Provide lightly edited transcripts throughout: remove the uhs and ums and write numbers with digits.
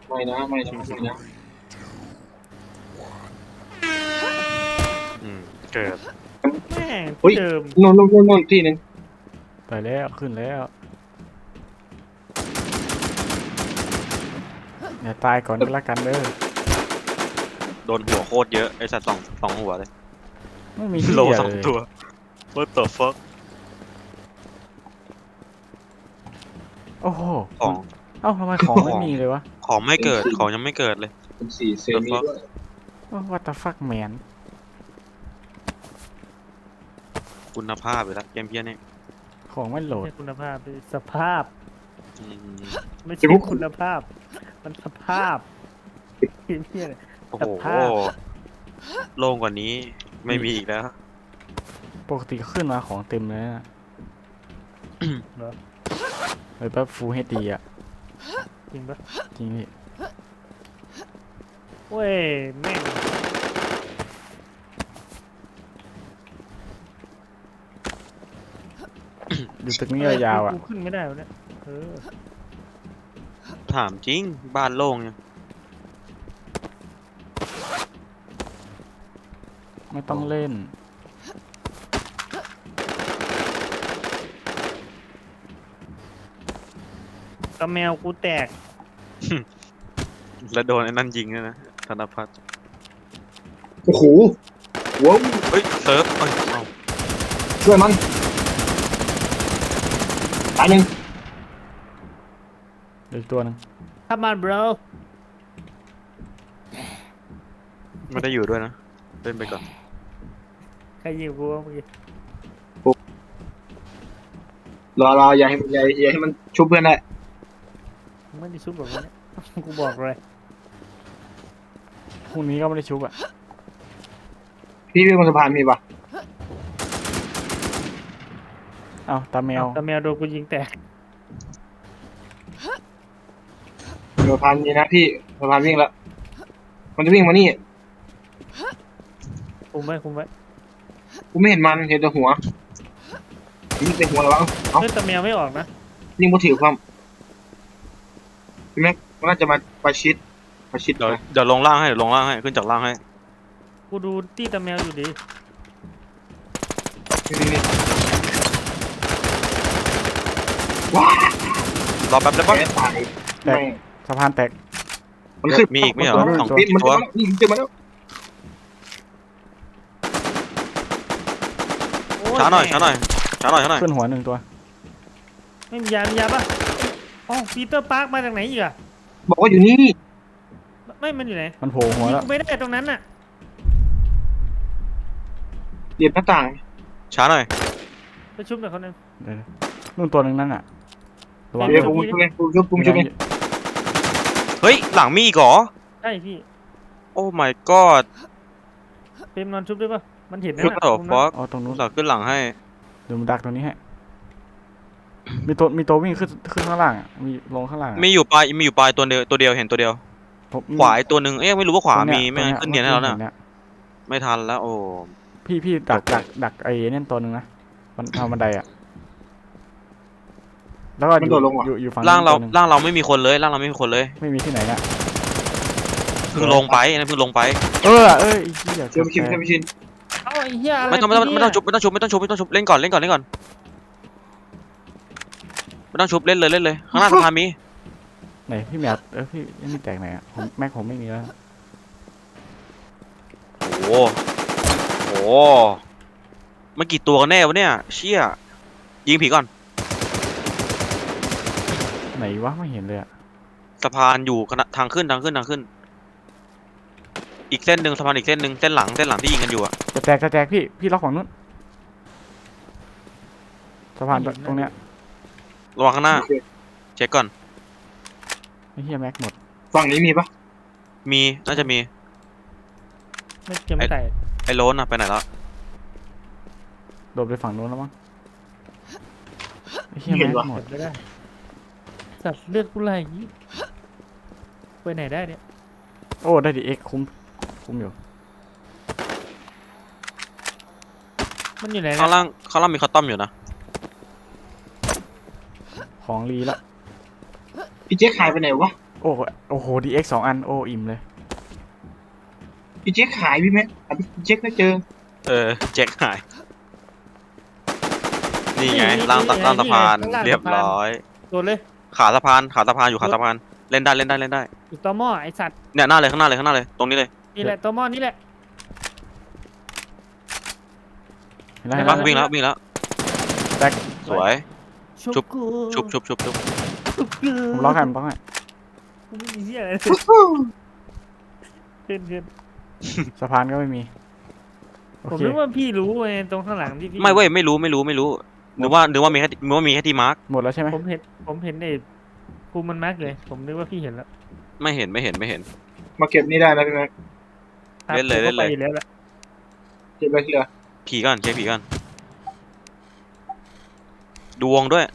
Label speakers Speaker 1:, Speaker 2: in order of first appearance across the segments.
Speaker 1: ไม่นะไม่นะไม่นะ
Speaker 2: เกิด
Speaker 3: แม่ง
Speaker 1: เฮ้ย
Speaker 3: เดิม
Speaker 1: โน่นที่หนึง
Speaker 4: ไปแล้วขึ้นแล้วอย่าตายก่อนก็แล้วกันเด้อ
Speaker 2: โดนหัวโคตรเยอะไอ้สัตว์สองหัวเลย
Speaker 4: ไม่มีที่
Speaker 2: โล
Speaker 4: เหลือ
Speaker 2: สอง
Speaker 4: เลย
Speaker 2: ตัว What the fuck
Speaker 4: โอ้โห
Speaker 2: ของ
Speaker 4: เอ้าทำไมของไม่มีเลยวะ
Speaker 2: ของไม่เกิดของยังไม่เกิดเลย
Speaker 1: เป็นสี่เซมิด้วย
Speaker 4: What the fuck man
Speaker 2: คุณภาพอยู่แล้วเกมเพี้ยนี่
Speaker 4: ของไม่โหลด
Speaker 3: ไม่ใช่คุณภาพดิสภาพ
Speaker 2: อืม
Speaker 3: ไม่ใช่คุณภาพ มันสภาพเพี้ยเลย
Speaker 2: โอ้
Speaker 3: ส
Speaker 2: โห
Speaker 3: ภาพ
Speaker 2: โล่งกว่านี้ไม่มีอีกแล้ว
Speaker 4: ปกติขึ้นมาของเต็มเลยนะ
Speaker 3: เหรอ
Speaker 4: เฮ้ยแป๊บฟูลเฮดดีอ่ะ
Speaker 3: จริงปะ
Speaker 4: จริงพี่
Speaker 3: เว้ยแม่ง
Speaker 4: อยู่ตึกนี้ยาวๆอ่ะ
Speaker 3: กูขึ้นไม่ได้วะเนี่ยเออ
Speaker 2: ถามจริงบ้านโล่งยัง
Speaker 4: ไม่ต้องเล่น
Speaker 3: กระแมวกูแตก
Speaker 2: แล้วโดนไอ้นั่นยิงด้วยนะธนพัฒน์
Speaker 1: โอ้โหว้าว
Speaker 2: เฮ้ยเซิร์ฟเอ้ยเอา
Speaker 1: ช่วยมันตายหนึ่ง
Speaker 4: เดี๋ยวอีกตัวหนึง
Speaker 3: ถ้ามัน bro
Speaker 2: ไม่ได้อยู่ด้วยนะเล่นไปก่อน
Speaker 3: ใครยิงกูวะเมื่อกี้
Speaker 1: รออย่าให้มันชุบเพื่อนได้
Speaker 3: มึงไม่ได้ชุบแบบนี้ กูบอกเลย
Speaker 4: พรุ่งนี้ก็ไม่ได้ชุบอ่ะ
Speaker 1: พี่บนสะพานมีปะ
Speaker 4: เอ้าตาแมว
Speaker 3: แต่แมวโดนกูยิงแตก
Speaker 1: สะพานมีนะพี่สะพานวิ่งแล้วมันจะวิ่งมานี่
Speaker 3: คุมไว้คุมไว้
Speaker 1: กูไม่เห็นมันเห็นแต่หัวยิงแต่หัวแล้ววะเอ้า
Speaker 3: เฮ้ยแต่แมวไม่ออกนะ
Speaker 1: ยิงมือถือความพี่แม็กมันน่าจะมาประชิด
Speaker 2: เดี๋ยว
Speaker 1: นะ
Speaker 2: เดี๋ยวลงล่างให้เดี๋ยวลงล่างให้ขึ้นจากล่างให้
Speaker 3: กูดูตี้แต่แมวอยู่ดี
Speaker 1: นี่ว้าร
Speaker 2: อแป๊บได้ปะ
Speaker 1: แกตาย
Speaker 4: แตก สะพานแตก
Speaker 1: มันขึ้น
Speaker 2: มีอีกไหมเหรอ
Speaker 1: มัน
Speaker 2: สอง
Speaker 1: มัน
Speaker 2: ตัว
Speaker 1: นี่เจอมาแล้ว
Speaker 3: โอ้ย
Speaker 2: ช้าหน่อย
Speaker 3: แม่
Speaker 2: ช้าหน่อยช้าหน่อยช้าหน่อย
Speaker 4: ขึ้นหัวหนึ่งตัว
Speaker 3: ไม่มียามียาป่ะอ๋อปีเตอร์ปาร์คมาจากไหนอีกอะ
Speaker 1: บอกว่าอยู่นี่
Speaker 3: ไม่มันอยู่ไหน
Speaker 4: มันโผล่หัว
Speaker 3: ยิง
Speaker 4: แล้ว
Speaker 3: กูไม่ได้ตรงนั้นน่ะ
Speaker 1: เรียบหน้าต่าง
Speaker 2: ช้าหน่อย
Speaker 3: ไปชุบหน่อยคนหนึง
Speaker 4: เดี๋ยวนู่นตัวหนึ่งนั่นอ่ะระวัง
Speaker 1: เดี๋ยว
Speaker 4: ด้
Speaker 1: ผ
Speaker 4: วย
Speaker 1: มช่วยเองผมช่วยเอง
Speaker 2: เฮ้ยหลังมีอีกเหรอ
Speaker 3: ใช่พี่
Speaker 2: โอ้ my god
Speaker 3: เปรมนอนชุบได้ป่ะมันเห็นนะ
Speaker 2: ชุด
Speaker 3: น่ะ
Speaker 2: ต่อ
Speaker 3: มุม
Speaker 2: ฟ
Speaker 3: นั้น
Speaker 2: อก
Speaker 4: อ๋อตรงนู้น
Speaker 2: หลังขึ้นหลังให้
Speaker 4: เดี๋ยวมันดักตรงนี้ให้มีตัววิ่งขึ้นข้างล่างอ่ะมีลงข้างล่างอะ
Speaker 2: มีอยู่ปลายตัวเดียวเห็นตัวเดียว
Speaker 4: ผม
Speaker 2: ขวาอีกตัวหนึ่งเอ๊ะไม่รู้ว่าขวา
Speaker 4: ตรง
Speaker 2: มี
Speaker 4: เย
Speaker 2: ไม่งั้น
Speaker 4: ต
Speaker 2: ขึ้
Speaker 4: ร
Speaker 2: นเนียนให้แล้ว
Speaker 4: ห็
Speaker 2: นะไม่ทันแล้วโอ้
Speaker 4: พี่ดักไอ้นั่นตัวหนึ่งนะมันทางบันไดอ่ะแล้วก็อยู่ฝั่ง
Speaker 2: ร่างเรา
Speaker 4: ตัวหนึ่
Speaker 2: ร่างเราไม่มีคนเลยร่างเราไม่มีคนเลย
Speaker 4: ไม่มีที่ไหนนะ
Speaker 2: เพิ่งลงไปนะเพิ่งลงไป
Speaker 4: เอ้ยไอ้เหี้ย
Speaker 1: เชื่อไม่ชินเชื่อไม่ชิน
Speaker 3: เอ้าไอ้เหี้ยอะไร
Speaker 2: ไม่ต้องชุบเล่นก่อนเล่นก่อนไม่ต้องชุบเล่นเลยข้างหน้าสะพานมี
Speaker 4: ไหนพี่แมวพี่ยังมีแตกไหนอ่ะแม็กผมไม่มีแล้ว
Speaker 2: โอ้โหมันกี่ตัวกันแน่วะเนี่ยเชี่ยยิงผีก่อน
Speaker 4: ไหนวะไม่เห็นเลยอ่ะ
Speaker 2: สะพานอยู่ทางขึ้นอีกเส้นหนึ่งสะพานอีกเส้นหนึ่งเส้นหลังที่ยิงกันอยู่อะ
Speaker 4: จะแตกพี่ล็อกฝั่งนู้นสะพานตรงเนี้ย
Speaker 2: ระวังข้างหน้าเช็คก่อน
Speaker 4: ไอ้เหี้ยแม็กหมด
Speaker 1: ฝั่งนี้มีปะ
Speaker 2: มีน่าจะมี
Speaker 3: ไม่เก็บไม่ใส่
Speaker 2: ไอ้โลนอะไปไหนแล้ว
Speaker 4: โดดไปฝั่งนู้นแล้วมั้งไอ้เหี้ยแม็กหมด
Speaker 3: เก็บไม่ได้สัตว์เลือดกูไหลไปไหนได้เนี่ย
Speaker 4: โอ้ได้ดิเอ็กคุ้มอยู่
Speaker 3: มันอยู่ไหน
Speaker 2: ข้าง
Speaker 3: เนี่ย
Speaker 2: ล่างมีคอตตอมอยู่นะ
Speaker 4: ของรีละ
Speaker 1: พี่เจ๊ขายไปไหนวะ
Speaker 4: โอ้โหโอ้โห DX 2 อันโอ้อิ่มเลย
Speaker 1: พี่เจ๊กหายพี่แม็กหาพี่เจ๊กไม่เจอ
Speaker 2: แจ็คหายนี่ไงล่างสะพานเรียบร้อย
Speaker 3: โดนเลย
Speaker 2: ขาสะพานอยู่ขาสะพานเล่นได้
Speaker 3: อยู่ต่อหม้อไอสัตว์
Speaker 2: เนี่ยหน้าเลยข้างหน้าเลยตรงนี้เลย
Speaker 3: นี่แหละต่อหม้อนี่แหละ
Speaker 4: เห็นแล้ว
Speaker 2: เห็
Speaker 4: เห็
Speaker 2: น
Speaker 4: น
Speaker 2: ปะ
Speaker 4: แล้ว
Speaker 2: วิ่งแล้ว
Speaker 4: แตก
Speaker 2: สวย ชุบ
Speaker 3: กู
Speaker 2: ชุบ
Speaker 4: ผมล็อกให้ผมล็อกให้
Speaker 3: กูไม่มีเหี้ยอะไรเพื่อน
Speaker 4: สะพานก็ไม่มีโอ
Speaker 3: ผม
Speaker 4: เค
Speaker 3: นึกว่าพี่รู้ไงตรงข้างหลังที่พี่
Speaker 2: ไม่เว้ยไม่รู้นึกว่ามีแค่ที่มาร์ก
Speaker 4: หมดแล้วใช่ไหม
Speaker 3: ผมเห็นไอ้ภูมิมันแม็กเลย ผมนึกว่าพี่เห็นแล้ว
Speaker 2: ไม่เห็น
Speaker 1: มาเก็บนี่ได้นะพี่แม็ก
Speaker 3: ครับ
Speaker 2: เล่นเลย
Speaker 3: ผมก็ไปอยู่แล้วแหละ
Speaker 1: เก็บไปทีละ
Speaker 2: ผีก่อนเช็คผีก่อนดูวงด้วย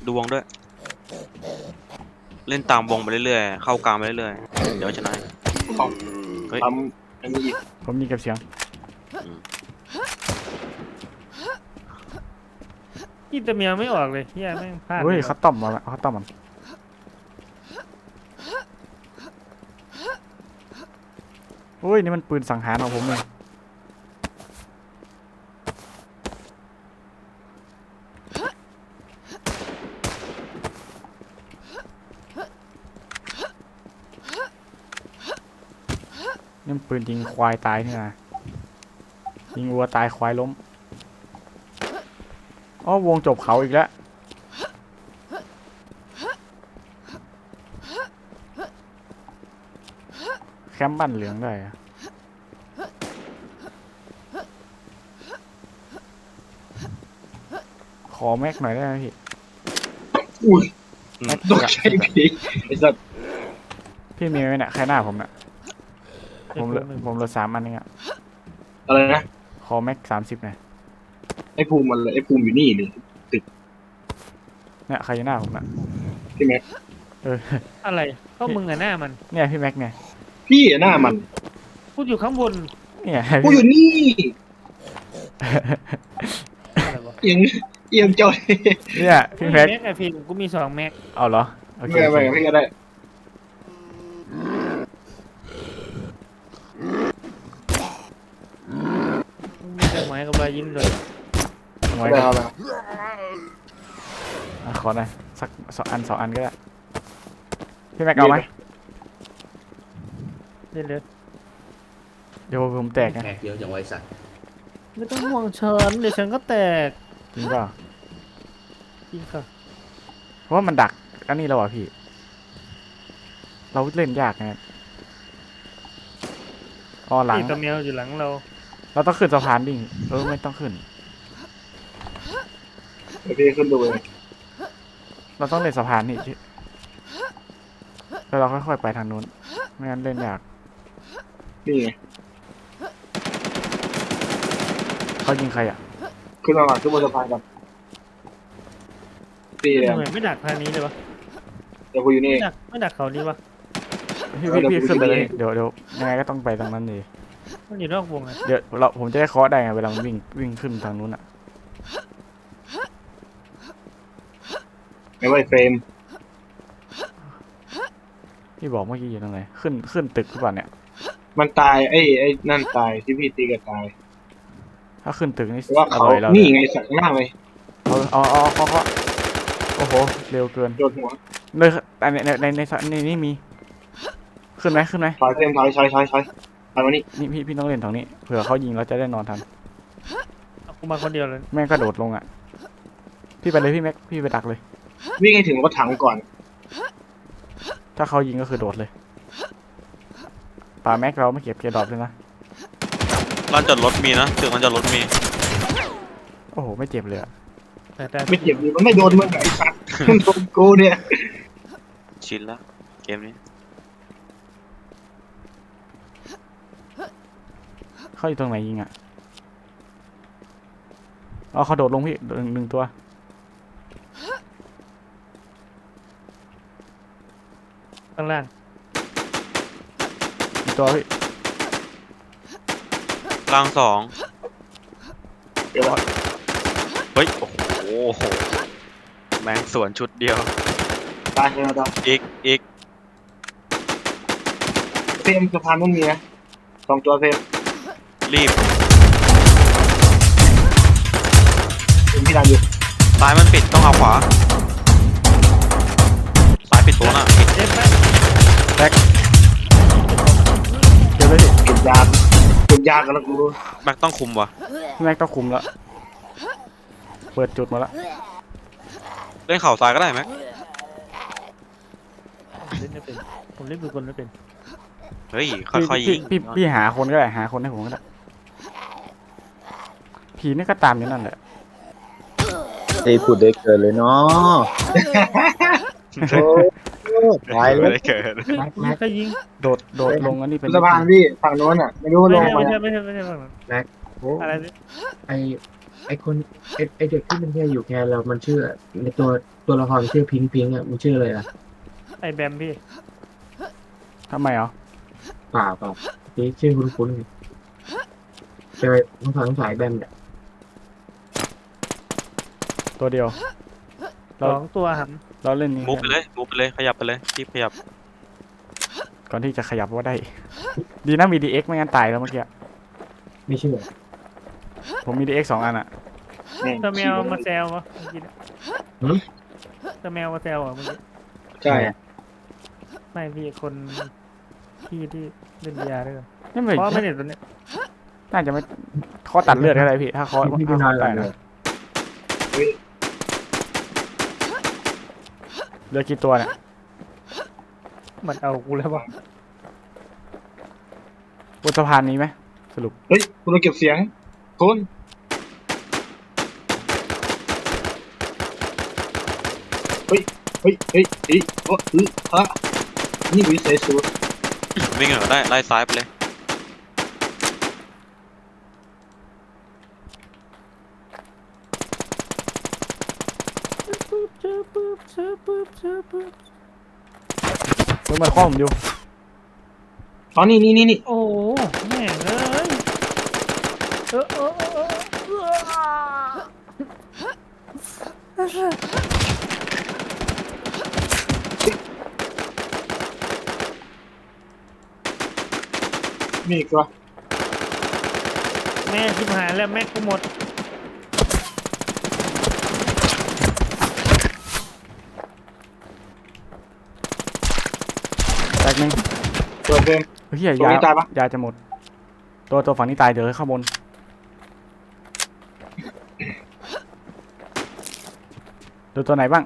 Speaker 2: เล่นตามวงไปเรื่อยๆเข้ากลางไปเรื่อยๆเดี๋ยวชนะ
Speaker 1: ของ
Speaker 2: เฮ้ย
Speaker 1: ทำอันนี้อีก
Speaker 4: ผมยิงเก็บเสียง
Speaker 3: พี่ตะเมียไม่ออกเลยเฮียแม่งพลาด
Speaker 4: เฮ้ย
Speaker 3: ล
Speaker 4: คัตตอมมาแล้วคัตตอมมันเฮ้ยนี่มันปืนสังหารของผมเองนี่มันปืนยิงควายตายนี่นะยิงวัวตายควายล้มอ๋อวงจบเขาอีกแล้วแคมป์บ้านเหลืองได้อะขอแม็กหน่อยได้ไหมพี่
Speaker 1: อุ้ย
Speaker 4: แม็ก
Speaker 1: ตกใจผีไอ้สัตว์
Speaker 4: พี่มีไหมเนี่ยใครหน้าผมเนี่ย
Speaker 3: ไอ้
Speaker 4: ผม
Speaker 3: ภู
Speaker 4: เหลือ
Speaker 3: มิ
Speaker 4: ผมเหลือ3 อันเองอะ
Speaker 1: อะไรนะ
Speaker 4: ขอแม็ก30หน่อย
Speaker 1: ไอ้ภูมิมันเลยไอ้ภูมิอยู่นี่เลย
Speaker 4: เนี่ยใครอยู่หน้าผมน่ะ
Speaker 1: พี่แม็ก
Speaker 4: เออ
Speaker 3: อะไรก็มึงอะหน้ามัน
Speaker 4: เนี่ยพี่แม็กเนี่ย
Speaker 1: พี่อะหน้ามัน
Speaker 3: พูดอยู่ข้างบน
Speaker 4: เนี่ย
Speaker 1: กูอยู่นี่
Speaker 3: อะไรวะ
Speaker 1: เอียงเอียงจอย
Speaker 4: เนี่ยพี่แม็ก
Speaker 3: ไอฟิล์มกูมี2 แม็ก
Speaker 4: เอาเหรอโอเค
Speaker 1: ไม่ไม่พี่ก็ได้
Speaker 3: มีแต่หมายกับรอยยิ้มเลย
Speaker 4: เอาไว้
Speaker 1: ได้
Speaker 4: ก่อน
Speaker 1: เอาละ
Speaker 4: อ่ะขอหน่อยสัก2 อันก็ได้พี่แม็กเอาไหม
Speaker 3: เล่นเลย
Speaker 4: เดี๋ยวผมแตกนะ
Speaker 5: แขกเยอะจังไวะไอ้สัตว์
Speaker 3: ไม่ต้องห่วงฉันเดี๋ยวฉันก็แตก
Speaker 4: จริงเปล่า
Speaker 3: จริงค่ะ
Speaker 4: เพราะว่ามันดักอันนี้เราอ่ะพี่ เราเล่นยากไงอ๋อหลัง
Speaker 3: พี่ตะเมียอยู่หลังเรา
Speaker 4: เราต้องขึ้นสะพานดิไม่ต้องขึ้น
Speaker 1: เดี๋ยวพี่ขึ้นดูเอง
Speaker 4: เราต้องเล่นสะพานนี่แล้วเราค่อยๆไปทางนู้นไม่งั้นเล่นยาก
Speaker 1: นี่ไง
Speaker 4: เขายิงใครอ่ะ
Speaker 1: ขึ้นมาก่อนขึ้นบนสะพานกันตีเลย
Speaker 3: ทำไมไม่ดักทางนี้เลยวะ
Speaker 1: เดี๋ยวกูอยู่นี่
Speaker 3: ไม่ดักเขาดีวะ
Speaker 4: พี่
Speaker 1: เดี๋ยว
Speaker 4: พี่
Speaker 1: กู
Speaker 4: ขึ้นไปเลย
Speaker 1: ขึ้นไป
Speaker 4: เดี๋ยวยังไงก็ต้องไปทางนั้นเลย
Speaker 3: มันอยู่นอกวงอะ
Speaker 4: เดี๋ยวผมจะได้เคาะได้ไงเวลามันวิ่งขึ้นทางนู้นอ่ะ
Speaker 1: ไม่ว่าเฟรม
Speaker 4: พี่บอกเมื่อกี้อยู่ตรงไหนขึ้นตึกหรือเปล่าเนี่ย
Speaker 1: มันตายไอ้นั่นตายที่พี่ตีกันตาย
Speaker 4: ถ้าขึ้นตึกนี่
Speaker 1: แต่ว่า
Speaker 4: อ
Speaker 1: เขา
Speaker 4: ร่อยแล้ว
Speaker 1: นี่ไงสักหน้าเลย
Speaker 4: เอาเคาะโอ้โหเร็วเกิน
Speaker 1: โดนหัว
Speaker 4: เลยในนี่มีขึ้นไหม
Speaker 1: ถอยเฟรมถอยมานี่
Speaker 4: นี่พี่ต้องเล่นตรงนี้เผื่อเขายิงเราจะได้นอนทัน
Speaker 3: เอากูมาคนเดียวเลย
Speaker 4: แม่งกระโดดลงอ่ะพี่ไปเลยพี่แม็กพี่ไปดักเลย
Speaker 1: วิ่งให้ถึงรถถังก่อน
Speaker 4: ถ้าเขายิงก็คือโดดเลยป่าแม็กเราไม่เก็บเกียร์ดรอปเลยนะ
Speaker 2: ร้านจอดรถมีนะตึกร้านจอดรถมี
Speaker 4: โอ้โหไม่เจ็บเลยอะ
Speaker 3: แต่
Speaker 1: ไม่เจ็บดีมันไม่โดนมึงไอ้สัตว์มันโดนกูเนี่ย
Speaker 2: ชินละเกมนี้
Speaker 4: เขาอยู่ตรงไหนยิงอ่ะอ๋อเขาโดดลงพี่หนึ่งตัว
Speaker 3: ข้างล่าง
Speaker 4: อีกตัวพี่
Speaker 2: ล่าง2
Speaker 1: เดี๋ยวว่า
Speaker 2: เฮ้ยโอ้โหแม่งสวนชุดเดียว
Speaker 1: ตายแล้วตาย
Speaker 2: อีก
Speaker 1: ฟรมสะพานมันมีนะ2 ตัวเฟรม
Speaker 2: รีบ
Speaker 1: เป็นพี่ดันอยู่
Speaker 2: ซ้ายมันปิดต้องเอาขวาซ้ายปิดตัวน่ะปิด
Speaker 3: เจ็บไหม
Speaker 4: เดี๋ยวเลยพี่
Speaker 1: เก็บยากกันแล้วกู
Speaker 2: แม็กต้องคุมวะ
Speaker 4: แม็กต้องคุมแล้วเปิดจุดมาแล้ว
Speaker 2: เล่นเข่าซ้ายก็ได้แม็ก
Speaker 3: เล่นไม่เป็นผมเล่นปืนกลไม่เป็น
Speaker 2: เฮ้ยค่อยๆยิง
Speaker 4: พี่หาคนก็ได้หาคนให้ผมก็ได้ผีนี่ก็ตามอยู่นั่นแหละ
Speaker 5: เฮ้ยพูดได้เกินเลยเนาะโอ้ตาย
Speaker 2: ไม่
Speaker 5: แล้ว
Speaker 2: ได้เกิด
Speaker 3: ยิงก็ยิง
Speaker 4: โดดลงอันนี้เป็น
Speaker 1: สะพานพี่ฝั่งโน้นอ่ะไม่รู้ว่าล
Speaker 3: ไม่
Speaker 1: ง
Speaker 3: ใช่
Speaker 1: มา
Speaker 3: ไม่ใช่ฝั่งนั้น
Speaker 5: โอ้
Speaker 3: อะไรนี่
Speaker 5: ไอคนไอเด็กที่มันแค่อยู่แค่เรามันชื่อในตัวละครชื่อพิงพิงอ่ะมันชื่ออะไรอ่ะ
Speaker 3: ไอ้แบมพี่
Speaker 4: ทำไมเหรอ
Speaker 5: เปล่านี่ชื่อคุ้นๆใช่ไหมต้องฟังสายแบมเนี่ย
Speaker 4: ตัวเดียว
Speaker 3: 2 ตัวหัน
Speaker 4: เราเล่นนี้
Speaker 2: มูฟไปเลยขยับไปเลยรีบขยับ
Speaker 4: ก่อนที่จะขยับว่าได้ ดีนะมี DX ไม่งั้นตายแล้วเมื่อกี้
Speaker 5: ไม่เชื่อ
Speaker 4: ผมมี DX 2 อันอะ
Speaker 3: ตะแมวมาแซววะเมื่อกี้ตะแมวมาแซวอ่ะเมื่อกี้
Speaker 1: ใช่
Speaker 3: ไม่พี่คนที่เล่นยาด้วยกัน
Speaker 4: นี่ไม่
Speaker 3: เพราะไม่เห็นตัวเนี้ย
Speaker 4: น่าจะไม่ข้อตัดเลือดก็ได้พี่ถ้าข้อ
Speaker 5: พี่
Speaker 4: ถ้า
Speaker 5: น
Speaker 4: ข้
Speaker 5: อ
Speaker 4: อน
Speaker 5: หลั
Speaker 4: ตาย
Speaker 5: บเล
Speaker 4: นะ
Speaker 5: ย
Speaker 4: เหลือกี่ตัวเนี่ย
Speaker 3: มันเอากูแล้ววะ
Speaker 4: บนสะพานนี้ไหมสรุป
Speaker 1: เฮ้ยคุณเราเก็บเสียงคุณเฮ้ยโอ้ฮะนี่วิสัยสูตร
Speaker 2: วิ่งเหรอได้ไล่ซ้ายไปเลย
Speaker 4: มึงมาข้อผมอยู่
Speaker 1: อ๋อนี่
Speaker 3: โอ้โหแม่งเลยเออ
Speaker 1: นี่อีกตัว
Speaker 3: แม่ชิบหายแล้วแม็กกูหมด
Speaker 4: แตกหนึ่ง
Speaker 1: ตัวเฟรม
Speaker 4: เฮีย
Speaker 1: ตรงนี้ตายปะ
Speaker 4: ยาจะหมด ตัวฝั่งนี้ตายเดี๋ยวข้างบนดูตัวไหนบ้าง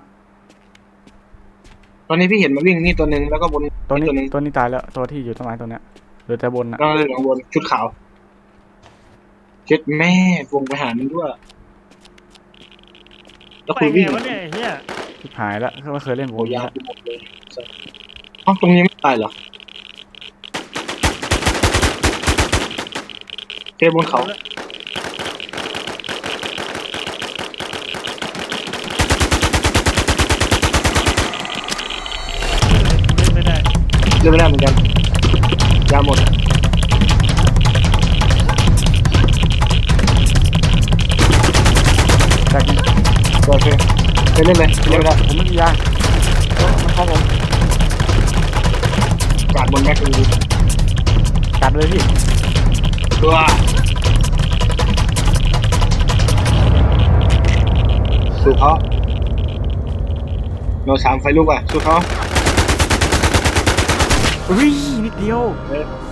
Speaker 1: ตอนนี้พี่เห็นมันวิ่งนี่ตัวหนึ่งแล้วก็บน
Speaker 4: ตัวนี้
Speaker 1: ตัวหนึ่ง
Speaker 4: ตัวนี้ตายแล้วตัวที่อยู่ต้นไม้ตัวเนี้ยเหลือแต่บนนะ
Speaker 1: ก็เลยข้างบนชุดขาวเช็ดแม่วงไปหามันด้วยแล้ว
Speaker 3: ไป
Speaker 1: คุย
Speaker 3: ไง
Speaker 1: วิ่ง
Speaker 3: วะเนี่ยไอ้เฮีย
Speaker 4: ชิบหายแล้วไม่เคยเล่นว
Speaker 1: โอ้
Speaker 4: งนี้
Speaker 1: ยาว
Speaker 4: แล้ว
Speaker 1: ไปหมดเลยอ๋อตรงนี้ไม่ตายเหรอเทบนเขา
Speaker 3: เล่นไม่ได้
Speaker 1: เล่นไม่ได้เหมือนกันยาหมด
Speaker 4: แตกหนึ่ง
Speaker 1: โอเคไปเล่นเลยเล่นไม่ได้
Speaker 4: ผมไม่มียามันเข้าผม
Speaker 1: กาดบนแม็กซ์ดู
Speaker 4: กัดเลยพี่
Speaker 1: ตัวสู้เขาโน3 ไฟลุกอ่ะสู้เขา
Speaker 4: อุ้ยนิดเดียว
Speaker 1: เออ